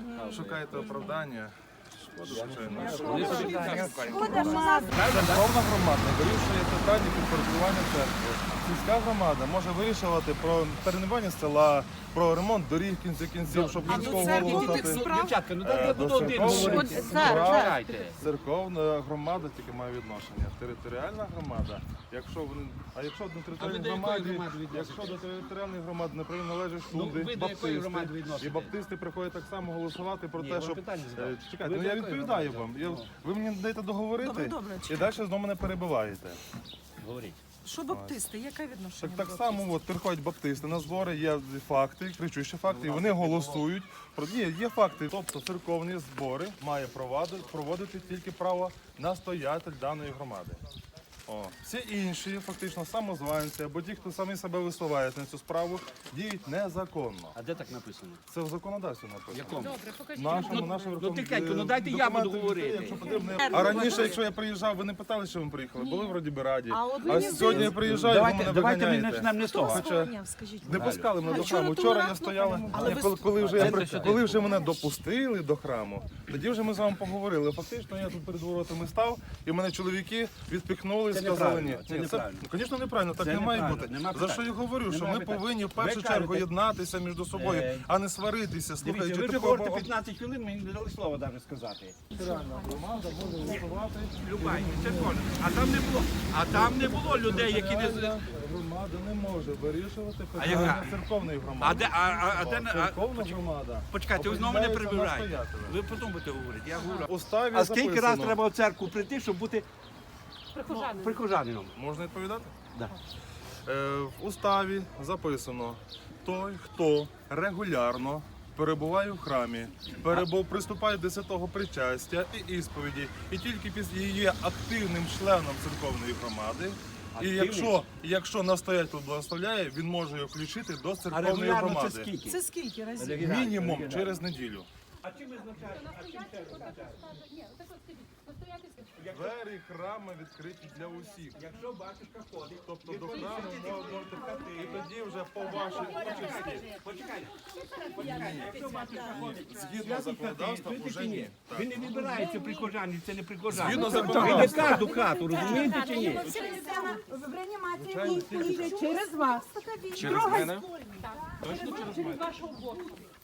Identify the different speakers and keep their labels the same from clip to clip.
Speaker 1: шукаєте оправдання. Шкода, звичайно.
Speaker 2: Церковна громада вирішує питання підпорядкування церкви. Сільська громада може вирішувати про перейменування села, про ремонт доріг в кінці кінців, щоб міського голову стати.
Speaker 3: Дівчатка, ну дайте я буду один говорити.
Speaker 2: Церковна громада тільки має відношення. Територіальна громада, якщо до територіальної громади не приналежать суди, баптисти, і баптисти приходять так само голосувати про те, щоб... Чекайте, ну я відповідаю вам. Ви мені даєте договорити і далі знову мене перебиваєте.
Speaker 3: Говоріть.
Speaker 4: Що баптисти? Яке відношення?
Speaker 2: Так само от, приходять баптисти на збори, є факти, кричущі факти, і вони голосують. Є факти, тобто церковні збори має проводити тільки правонастоятель даної громади. Всі інші, фактично, самозванці або ті, хто самі себе висувають на цю справу, діють незаконно.
Speaker 3: А де так написано?
Speaker 2: Це в законодавстві написано.
Speaker 3: Якому?
Speaker 2: Нашому
Speaker 3: тихенько, ну дайте я буду говорити.
Speaker 2: А раніше, якщо я приїжджав, ви не питали, що ви приїхали? Були вроді би раді. А сьогодні я приїжджаю, ви мене
Speaker 3: Давайте ми
Speaker 2: виганяєте.
Speaker 3: почнемо не з того.
Speaker 2: Не пускали мене до храму. Вчора я стояла, коли вже мене допустили до храму, тоді вже ми з вами поговорили. Фактично я тут перед воротами став, і мене чоловіки відпіхнули, сказали ні.
Speaker 3: Це неправильно.
Speaker 2: Звісно, неправильно, так не має бути. За що я говорю, що ми повинні в першу чергу єднатися між собою, а не сваритися.
Speaker 3: Дивіться, ви вже говорите 15 хвилин, мені не дали слова навіть сказати.
Speaker 2: Громада може висувати.
Speaker 3: Любай, це кожен. А там не було людей, які не...
Speaker 2: Громада не може вирішувати питання церковної громади. Церковна громада.
Speaker 3: Почекайте, ви знову мене перебираєте. Ви потім будете говорити, я говорю.
Speaker 2: Уставі
Speaker 3: А скільки
Speaker 2: записано.
Speaker 3: раз треба в церкву прийти, щоб бути прихожанином?
Speaker 2: Можна відповідати?
Speaker 3: Да.
Speaker 2: В уставі записано, той, хто регулярно перебуває в храмі, приступає до святого причастя і ісповіді, і тільки після є активним членом церковної громади, і якщо настоятель благословляє, він може його включити до
Speaker 3: А
Speaker 2: церковної
Speaker 3: регулярно це
Speaker 2: громади.
Speaker 3: скільки?
Speaker 4: Це скільки разів?
Speaker 2: Мінімум через неділю.
Speaker 3: А чим визначається?
Speaker 2: Двері храму відкриті для усіх.
Speaker 3: Якщо батюшка ходить,
Speaker 2: Тобто до храму можна втекати, і тоді вже по вашій участі.
Speaker 3: почекайте. Якщо батюшка ходить,
Speaker 2: Згідно законодавства, вже ні.
Speaker 3: він не вибирається прихожанин, це не прихожанин.
Speaker 2: Згідно
Speaker 3: Він не
Speaker 2: законодавства.
Speaker 3: кожну хату, розумієте чи ні?
Speaker 4: В реанімації йде через вас.
Speaker 1: Через мене?
Speaker 4: Через вашого боку.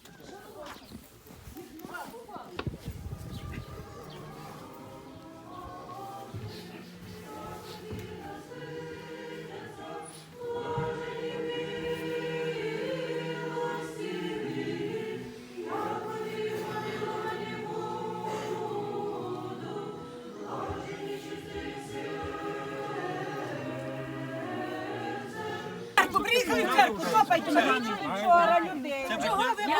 Speaker 4: Приїхали в церкву, хлопайте мене. Вчора людей. Чого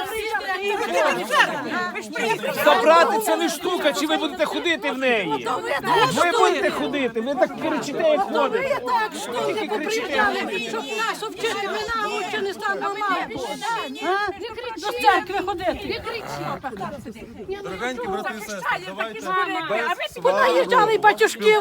Speaker 4: ви приїхали?
Speaker 5: Забрати це не штука, чи ви будете ходити в неї? Ви будете ходити, ви так кричите, як ходите.
Speaker 6: Так, штуки поприїжджали, щоб нас вчити, ми на очі не ставимо мапу. До церкви ходити. Не кричіть.
Speaker 2: Дорогенькі брати і сестри, давайте без
Speaker 6: Понаїжджали батюшків.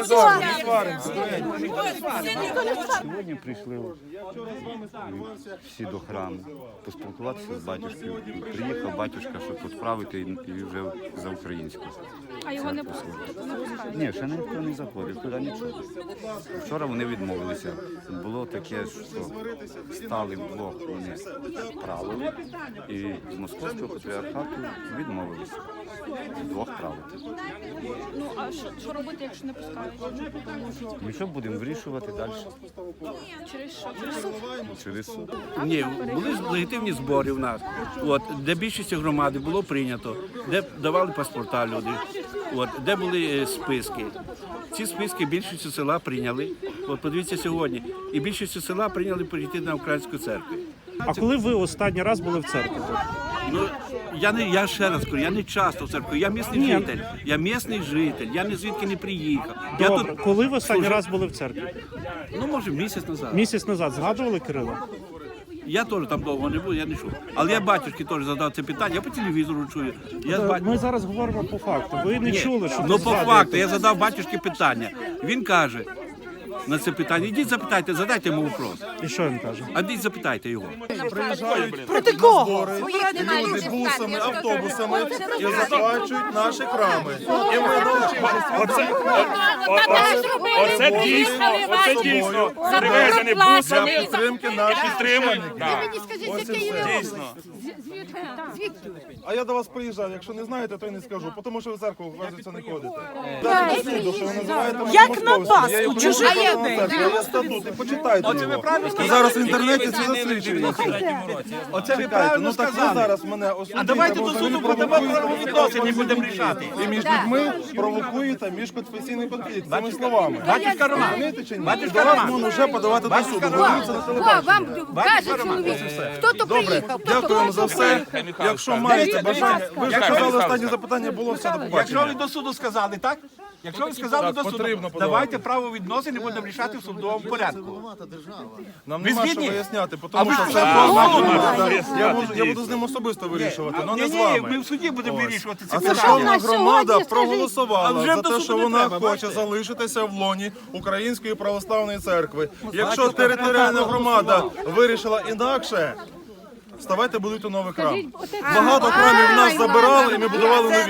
Speaker 7: Сьогодні прийшли всі до храму, поспілкуватися з батюшкою. Приїхав батюшка, щоб відправити і вже за українську.
Speaker 6: А його не пускають?
Speaker 7: Ні, ще ніхто не заходив, туди нічого. Вчора вони відмовилися. Було таке, що стали вдвох, вони правили, і з московського патріархату відмовилися вдвох правити.
Speaker 6: Ну, а що робити, якщо не пускають?
Speaker 7: Ми що будемо вирішувати далі?
Speaker 6: Через що? Через суд?
Speaker 7: Через суд.
Speaker 3: Ні, були легітимні збори в нас, де більшість громади було прийнято, де давали паспорта люди, де були списки. Ці списки більшістю села прийняли. Подивіться сьогодні. І більшістю села прийняли перейти на українську церкву.
Speaker 5: А коли ви останній раз були в церкві?
Speaker 3: Ну, я ще раз кажу, я не часто в церкві, я місний житель. Я місний житель, я ні звідки не приїхав. Я
Speaker 5: Добре,
Speaker 3: тут
Speaker 5: коли ви останній
Speaker 3: служив,
Speaker 5: раз були в церкві?
Speaker 3: ну, може, місяць назад.
Speaker 5: Місяць назад згадували Кирила?
Speaker 3: Я теж там довго не був, я не чув. Але я батюшки теж задав це питання, я по телевізору чую.
Speaker 5: Ми зараз говоримо по факту. Ви не чули, що
Speaker 3: Ну,
Speaker 5: ви
Speaker 3: по
Speaker 5: згадуєте.
Speaker 3: факту, я задав батюшки питання. Він каже, на це питання. Ідіть запитайте, задайте йому вопрос.
Speaker 8: І що він каже?
Speaker 3: А ідіть запитайте його.
Speaker 2: Приїжджають проти кого? Люди бусами, автобусами і захвачують наші храми. І ми
Speaker 5: Оце дійсно привезені
Speaker 2: для
Speaker 5: бусами.
Speaker 2: підтримки наших священників.
Speaker 6: Мені скажіть, який ви
Speaker 5: Дійсно.
Speaker 6: звідки?
Speaker 2: А я до вас приїжджав. Якщо не знаєте, то й не скажу, тому що ви в церкву, оказується, не ходите. Дайте до суду, що ви називаєте мене
Speaker 4: Як на
Speaker 2: московським. Я
Speaker 4: Пасху,
Speaker 2: є
Speaker 4: чужих
Speaker 2: українська
Speaker 4: людей.
Speaker 2: церква, є статут, і почитайте його. І зараз в інтернеті це засвідчується.
Speaker 3: Оце ви
Speaker 2: Чекайте,
Speaker 3: правильно
Speaker 2: ну так ви
Speaker 3: сказали.
Speaker 2: зараз мене осудите.
Speaker 3: А давайте
Speaker 2: бо
Speaker 3: до
Speaker 2: ви
Speaker 3: суду
Speaker 2: провокуєте
Speaker 3: подамо правовідносини, будемо рішати.
Speaker 2: І між людьми провокуєте міжконфесійний конфлікт цими словами.
Speaker 3: Батюшка Роман,
Speaker 2: Розумієте чи ні?
Speaker 3: Батюшка
Speaker 2: До вас
Speaker 3: Роман.
Speaker 2: можна вже подавати до суду. Ви дивіться на
Speaker 6: О,
Speaker 2: телебаченні.
Speaker 6: вам каже чоловік, хто то
Speaker 2: Добре,
Speaker 6: приїхав, хто то
Speaker 2: дякуємо за все. Якщо маєте бажання, ви ж
Speaker 3: Якщо
Speaker 2: казали,
Speaker 3: ви
Speaker 2: останнє запитання було, все, до
Speaker 3: Якщо ви
Speaker 2: побачення.
Speaker 3: до суду сказали, так? Якщо ви сказали
Speaker 2: Так,
Speaker 3: до суду,
Speaker 2: потрібно подавати.
Speaker 3: давайте правовідносини будемо рішати в судовому порядку.
Speaker 2: Нам
Speaker 3: Ви
Speaker 2: нема що
Speaker 3: згідні?
Speaker 2: виясняти,
Speaker 3: А
Speaker 2: тому
Speaker 3: ви
Speaker 2: що
Speaker 3: ж
Speaker 2: це
Speaker 3: правильно.
Speaker 2: я буду з ним особисто вирішувати, але не
Speaker 3: Ні,
Speaker 2: з
Speaker 3: ні,
Speaker 2: вами.
Speaker 3: ми в суді будемо вирішувати це
Speaker 2: А
Speaker 3: питання.
Speaker 2: церковна громада
Speaker 6: сьогодні,
Speaker 2: проголосувала
Speaker 3: А вже
Speaker 2: за
Speaker 3: до
Speaker 2: те,
Speaker 3: суду
Speaker 2: що
Speaker 3: не
Speaker 2: вона
Speaker 3: треба,
Speaker 2: хоче
Speaker 3: бачите?
Speaker 2: залишитися в лоні Української православної церкви. Якщо територіальна громада вирішила інакше, ставайте будуйте новий храм. Багато храмів нас забирали, і ми будували нові.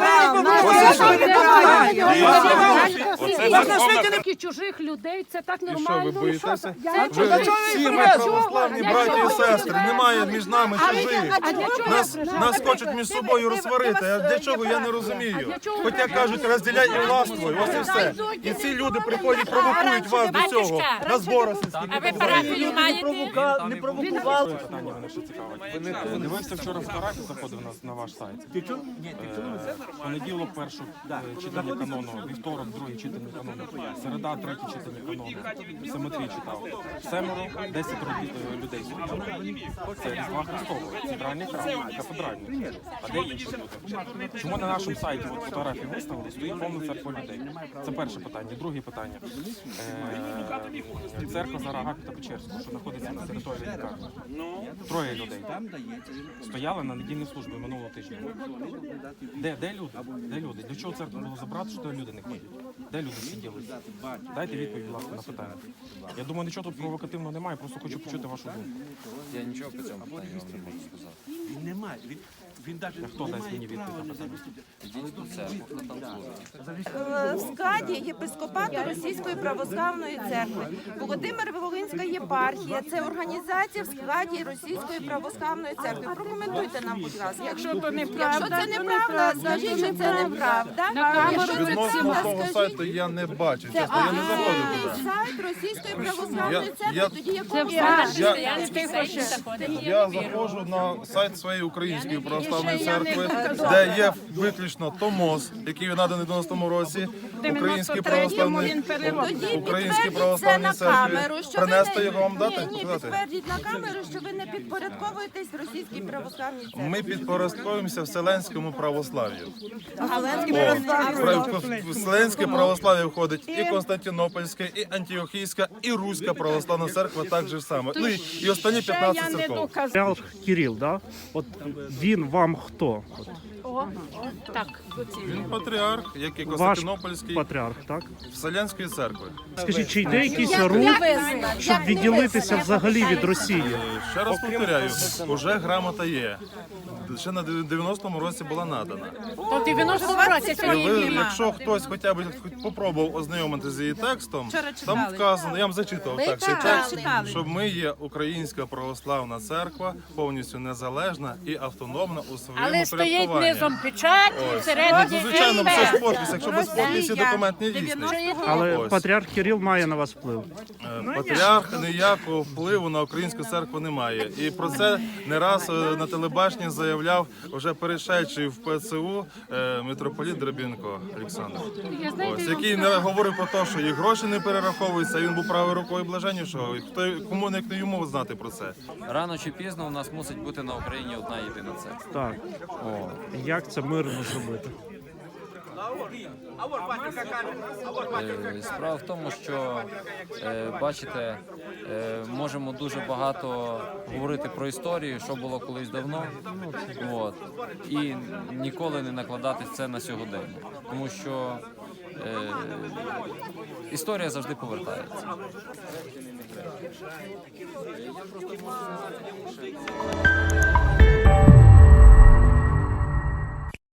Speaker 6: Такі чужих людей, це так
Speaker 2: І що,
Speaker 6: нормально.
Speaker 2: ви боїтеся?
Speaker 6: Це
Speaker 2: Ви
Speaker 6: чужих.
Speaker 2: всі ми православні браті і сестри, немає між нами чужих.
Speaker 6: А для чого?
Speaker 2: Нас хочуть між собою розсварити. А для чого, я не розумію. Хоча кажуть, розділяй і властвуй, ось і все. І ці люди приходять, провокують вас до цього. На зборах сільських.
Speaker 9: А ви парафію маєте?
Speaker 8: Не провокували.
Speaker 10: Питання мене ще цікавить. Дивився вчора фотографію, заходив на ваш сайт.
Speaker 3: Ти чув? Ні, ти чув це?
Speaker 10: Понеділок перше читання канону, вівторок друге читання канону, середа третє читання канону, Семитрій читав. 10 людей сьогодні. Це Різдва Христового, центральний храм, кафедральний. А де інші люди? Чому на нашому сайті от фотографії виставили, стоїть повна церква людей? Це перше питання. Друге питання. Церква Зарагапіта Печерського, що знаходиться на території лікарні. 3 людей стояли на недільній службі минулого тижня. Де люди? Де люди? Для чого церкву було забрати, що люди не ходять? Де люди сиділи? Дайте відповідь, будь ласка, на питання. Я думаю, нічого тут провокативного немає, просто хочу почути вашу думку.
Speaker 1: Я нічого по цьому питанню вам не можу сказати.
Speaker 3: Він немає. Він навіть
Speaker 10: Хто дасть мені відповідь на питання?
Speaker 1: Ідіть до церкви, хто там служить.
Speaker 11: В складі єпископату Російської православної церкви Володимир-Волинська єпархія – це організація в складі Російської православної церкви. Прокоментуйте нам, будь ласка. Якщо це неправда, скажіть, що це неправда. Якщо це
Speaker 2: Відносно
Speaker 11: правда,
Speaker 2: того
Speaker 11: скажіть.
Speaker 2: сайту я не бачив, чесно, я не заходив туди.
Speaker 11: Сайт Російської православної
Speaker 2: Я-
Speaker 11: церкви, тоді якого
Speaker 2: Я заходжу на сайт своєї Української православної церкви, де є виключно томос, який наданий в 90-му році, Українській православній
Speaker 11: це на
Speaker 2: церкві.
Speaker 11: камеру, що ви
Speaker 2: Принести
Speaker 11: не-
Speaker 2: його вам дати?
Speaker 11: Ні,
Speaker 2: Сказати?
Speaker 11: підтвердіть на камеру, що ви не підпорядковуєтесь Російській православній церкві.
Speaker 2: Ми підпорядковуємося Вселенському православ'ю.
Speaker 11: Галицьке
Speaker 2: В Вселенське православ'я входить і Константинопольська, і Антіохійська, і Руська православна церква так же саме. Ну і останні 15 церков.
Speaker 8: Патріарх Кирил, да? От він вам хто? От,
Speaker 2: Він патріарх, як і
Speaker 8: ваш
Speaker 2: Константинопольський,
Speaker 8: патріарх, так?
Speaker 2: Вселенської церкви.
Speaker 8: Скажіть, чи йде якийсь рух, щоб відділитися взагалі від Росії?
Speaker 2: Ще раз повторяю, уже грамота є. Ще на 90-му році була надана.
Speaker 9: То в 90-му році
Speaker 2: І
Speaker 9: сьогодні
Speaker 2: ви,
Speaker 9: нема.
Speaker 2: якщо хтось хоча б попробував ознайомитися з її текстом, там вказано, я вам зачитував так, цей текст, що ми є Українська православна церква, повністю незалежна і автономна у своєму
Speaker 9: Але стоїть
Speaker 2: порядкуванні.
Speaker 9: низом печать, всередині
Speaker 2: Ну, звичайно, це ж
Speaker 9: МП.
Speaker 2: подпис, якщо без подписі документ не дійсний.
Speaker 8: Але
Speaker 2: Ось.
Speaker 8: патріарх Кирил має на вас вплив.
Speaker 2: Патріарх ніякого впливу на українську церкву не має. І про це не раз на телебаченні заявляв вже перейшедший в ПЦУ митрополіт Драбінко Олександр. Ось, який не говорив про те, що їх гроші не перераховуються, він був правою рукою блаженнішого. І кому не йому знати про це?
Speaker 12: Рано чи пізно у нас мусить бути на Україні одна єдина церква.
Speaker 8: Так. Як це мирно зробити?
Speaker 12: Справа в тому, що бачите, можемо дуже багато говорити про історію, що було колись давно, от, і ніколи не накладати це на сьогодення. Тому що історія завжди повертається.